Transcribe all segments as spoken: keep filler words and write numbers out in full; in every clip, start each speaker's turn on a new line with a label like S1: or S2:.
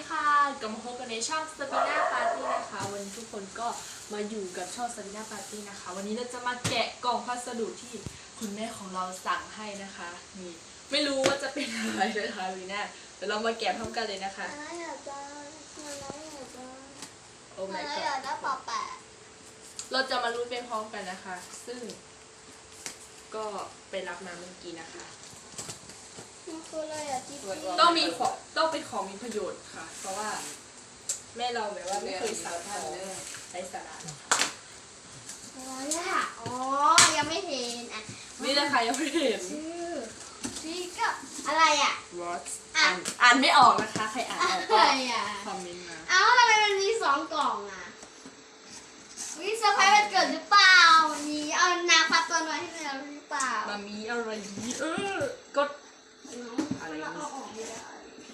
S1: ค่ะกลับมาพบกันในช่องสปิน่าปาร์ตี้นะคะวันนี้ทุกคนก็มาอยู่กับช่องสปิน่าปาร์ตี้นะคะวันนี้เราจะมาแกะกล่องพัสดุที่คุณแม่ของเราสั่งให้นะคะนี่ไม่รู้ว่าจะเป็นอะไรนะคะวีน่าเดี๋ยวเรามาแกะพร้อมกันเลยนะคะ
S2: อะไรอยากจะอะไรอยากจะ
S1: โอ้
S2: อะ
S1: my
S2: ไร
S1: god
S2: อยากจะปอแปะ
S1: เราจะมาลุ้นไปพร้อมกันนะคะ ซึ่งก็ไปรับมาเมื่อกี้นะคะ
S2: มันคืออะไรอ่ะจิ๊บ
S1: ต้องมีของต้องเป็นของมีประโยชน์ค่ะ เพราะว่าแม่เราแบบว่าไม่เคยสั่งของใช้สาระนะคะ
S2: อะไรอ่ะอ๋อยังไม่เห็นอ่ะ
S1: นี่นะคะยังไม่เห็น
S2: ชื่อนี่ก็อะไรอ่ะ
S1: What อ่านอ่านไม่ออกนะคะ ใครอ่านออกก็
S2: อะไรอ่ะ
S1: คอมเมนต์มา
S2: เอ้าทำไมมันมีสองกล่องอ่ะวิเซอร์ไพรส์วันเกิดหรือเปล่ามีเอานาพัดตัวน้อยให้เราหรือเปล่า
S1: มามีอะไรดีเออกด
S2: อะไรเราเอาออกไม่ได้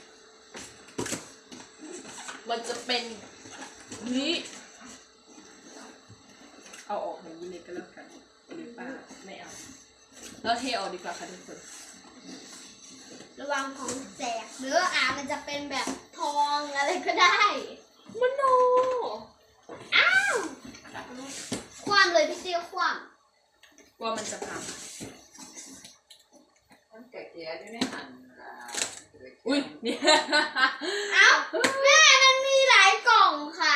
S1: มันจะเป็นนี้เอาออกอย่างนี้เลยก็แล้วกันหรือเปล่าไม่เอาแล้วเทออกดีกว่าค่ะทุกคน
S2: ระวังของแจกหรืออ่ามันจะเป็นแบบทองอะไรก็ได้
S1: มโน
S2: อ้าวความเลยพี่เตี้ยความ
S1: ว่ามันจะพัง
S3: มันแก่ๆด้วยไม่หันอ่า
S1: อุ้ยเนี่ย
S2: เอ้าแม่มันมีหลายกล่องค่ะ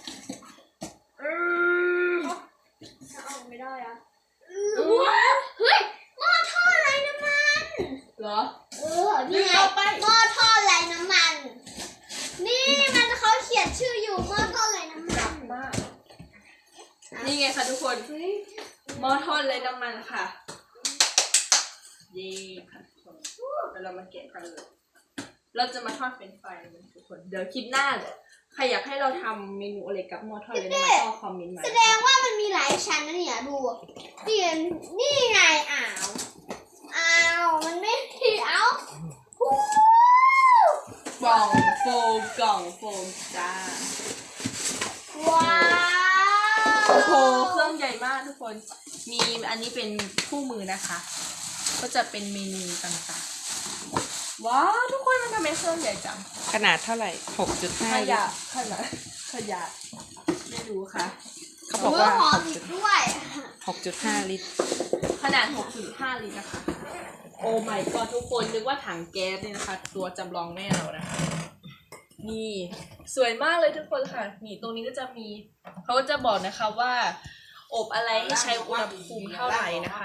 S2: จะออกไม่ได้อะว้าวเฮ้ยหม้อทอดไร้น้ำมัน
S1: เหรอ
S2: เออนี่ไง
S1: เอาไป
S2: หม้อทอดไร้น้ำมัน นี่มันเขาเขียนชื่ออยู่หม้อทอดไร้น้ำมัน
S1: มากนี่ไงค่ะทุกคน
S2: เฮ้ย
S1: หม้อทอดเลยน้ำมันค่ะ เย้ค่ะทุกคนเดี๋ยวเรามาแกะกันเลย เราจะมาทอดเฟรนช์ฟรายกันทุกคน เดี๋ยวคลิปหน้าใครอยากให้เราทำเมนูอะไรกับหม้อทอดเลยน้ำมันก็คอมเมนต์มา
S2: แสดงว่ามันมีหลายชั้นนะเนี่ยดูนี่ไงนี่ไงอ้าวอ้าวมันไม่มีเอ้าฮู้
S1: กล่องโฟมกล่องโฟมจ้า
S2: ว้าว
S1: โอ้โหเครื่องใหญ่มากทุกคน มีอันนี้เป็นคู่มือนะคะ ก็จะเป็นเมนูต่างๆ ว้าวทุกคนมันทำไมเครื่องใหญ่จัง
S3: ขนาดเท่าไหร่ หกจุดห้า
S1: ข
S3: ลิ
S1: ยะ
S3: ตร
S1: ขนาดขยะไม่รู้ค่ะ
S3: เขาบอก
S2: เมื่อ
S3: ว่า
S2: หอมอีกด้วย
S3: หกจุดห้าลิตร
S1: ขนาด หกจุดห้า ลิตรนะคะ โอ้ my god ทุกคนนึกว่าถังแก๊สเนี่ยนะคะ ตัวจำลองแม่เรานะคะ นี่สวยมากเลยทุกคนค่ะ นี่ตรงนี้ก็จะมีเขาก็จะบอกนะคะว่า อบอะไรให้ใช้อุณหภูมิเท่าไหร่นะคะ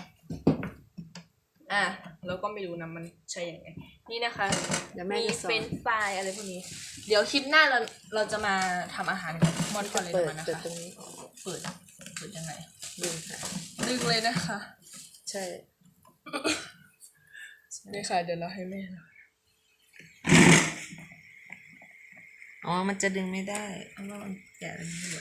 S1: อ่ะเราก็ไม่รู้นะมันใช่ยังไง นี่นะคะ
S3: เดี๋ยวแม่
S1: มี
S3: จะสอ
S1: เฟร
S3: น
S1: นช์ฟรายอะไรพวกนี้ เดี๋ยวคลิปหน้าเราเราจะมาทำอาหารกับมอนคอนเลย
S3: เปิด
S1: นะ
S3: เปิด
S1: คะ
S3: ตรงนี้
S1: เปิดเปิดยังไง
S3: ดึงค่ะ
S1: ดึงเลยนะคะ
S3: ใช่
S1: นี่ค่ะเดี๋ยวเราให้แม่เรา
S3: อ๋อ มันจะดึงไม่ได้ เพราะว่ามันแกะอะไรไม่หมด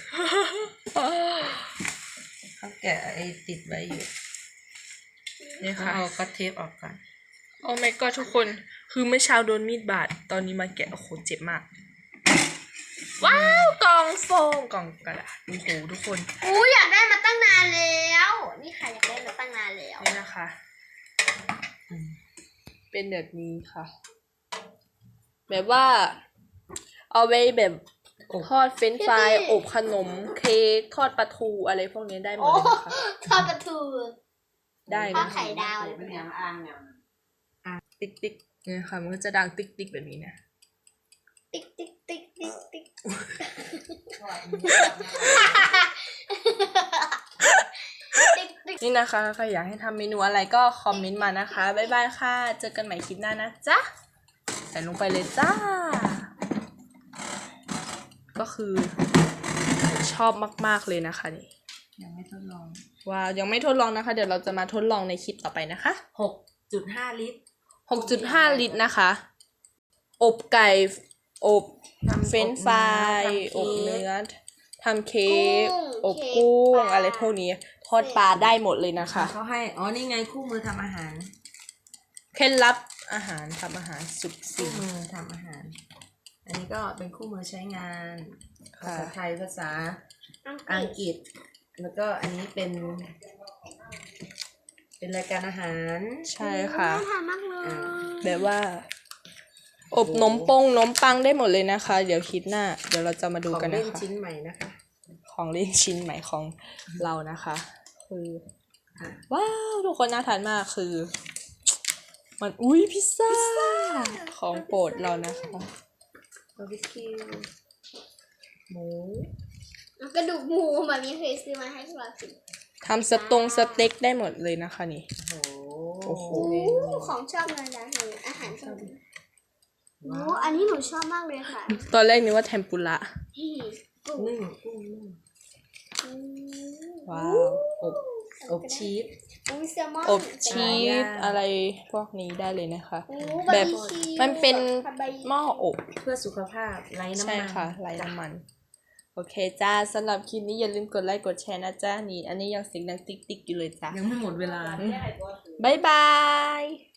S3: เขาแกะไอ้ติดไว้อยู่
S1: นี่
S3: เขา
S1: ค่ะ
S3: เอาก็เทปออกก่อน
S1: โอ้ my god ทุกคนคือเมื่อเช้าโดนมีดบาดตอนนี้มาแกะโอ้โหเจ็บมาก ว้าวกล่องโฟมกล่องกระดาษโอ้โหทุกคน
S2: อู้อยากได้มาตั้งนานแล้ว นี่ค่ะอยากได้มาตั้งนานแล้ว
S1: นี่นะคะ
S3: อืม
S1: เป็นแบบนี้ค่ะ แบบว่า เอาไว้แบบทอดเฟรนช์ฟรายอบขนมเค้กทอดปลาทูอะไรพวกนี้ได้หม
S2: โอ้
S1: ดเลยนะคะ
S2: ทอดปลาทู
S1: ได้
S2: ทอด
S1: นะ
S2: ไข่ดาวอะไรพวก
S3: เป็น
S2: เนี้
S3: ยายงอ้างเนี่ย
S1: ติ๊กติ๊กเนี่ยค่ะมันก็จะดังติ๊กติ๊กแบบนี้นะ
S2: ติ๊กติ๊กติ๊กติ๊กติ๊กติ๊กติ๊ก
S1: นี่นะคะใครอยากให้ทำเมนูอะไรก็คอมเมนต์มานะคะบ๊ายบายค่ะเจอกันใหม่คลิปหน้านะจ๊ะใส่ลงไปเลยจ้า ก็คือชอบมากๆเลยนะคะนี่
S3: ยังไม่ทดลอง
S1: ว้าวยังไม่ทดลองนะคะ เดี๋ยวเราจะมาทดลองในคลิปต่อไปนะคะ
S3: หกจุดห้าลิตร
S1: หกจุดห้า ลิตรนะคะ อบไก่อบเฟรนช์ฟรายอบเนื้อทำเค้กอบกุ้งอะไรพวกนี้ทอดปลาได้หมดเลยนะคะ
S3: เขาให้ อ๋อ นี่ไงคู่มือทำอาหาร
S1: เคล็ดลับอาหารทำอาหารสุด
S3: คู่
S1: สิ่ง
S3: มือทำอาหาร อันนี้ก็เป็นคู่มือใช้งาน
S1: ค่ะ
S3: ภาษาไทย ภาษาอังกฤษ แล้วก็อันนี้เป็น เป็นรายการอาหาร
S1: ใช่ค่ะ
S2: น่าทานมากเลย
S1: แบบว่าอบนมปงนมปังได้หมดเลยนะคะ เดี๋ยวคลิดหน้า เดี๋ยวเราจะมาดู
S3: ของ
S1: กัน
S3: เล่
S1: นะ
S3: น
S1: คะ
S3: ชิ้นใหม่นะคะ
S1: ของเล่นชิ้นใหม่ของเรานะคะ คือ
S3: ค่ะ
S1: ว้าวทุกคนน่าทานมากคือ มันอุ้ยพิซซ่าของโปรดเรานะคะ
S3: บาร์บีคิวหมู
S2: กระดูกหมูแบบนี้เคยซื้อมาให้พวกเรากิน
S1: ทำสตงสเต็กได้หมดเลยนะคะนี่
S3: โอ้
S1: โอ้โห
S2: อู้ของชอบเลยนะหนูอาหารชอบโอ้อันนี้หนูชอบมากเลยค่ะ
S1: ตอนแรกนึกว่าเทมปุระ
S2: นี่กุ้ง
S3: นึ่งกุ้งนึ่ง
S2: อืม
S1: ว้าว
S3: อบอบชีส
S2: อุ้ยแซลมอน
S1: อบชี
S3: ย่า
S1: ส
S3: ง
S1: อะไรพวกนี้ได้เลยนะคะ
S2: โอ้
S1: แบบ
S2: บาร์บีคิว
S1: มันเป็น
S2: ผัดใบ
S1: หม้ออบ
S3: เพื่อสุขภาพไร้น้ำ
S1: ใช่
S3: มัน
S1: ค่ะไร้น้ำมัน โอเคจ้าสำหรับคลิปนี้อย่าลืมกดไลค์กดแชร์นะจ้านี่ อันนี้ยังเสียงดังติ๊กติ๊กอยู่เลยจ้า
S3: ยังไม่หมดเวลา
S1: บ๊ายบาย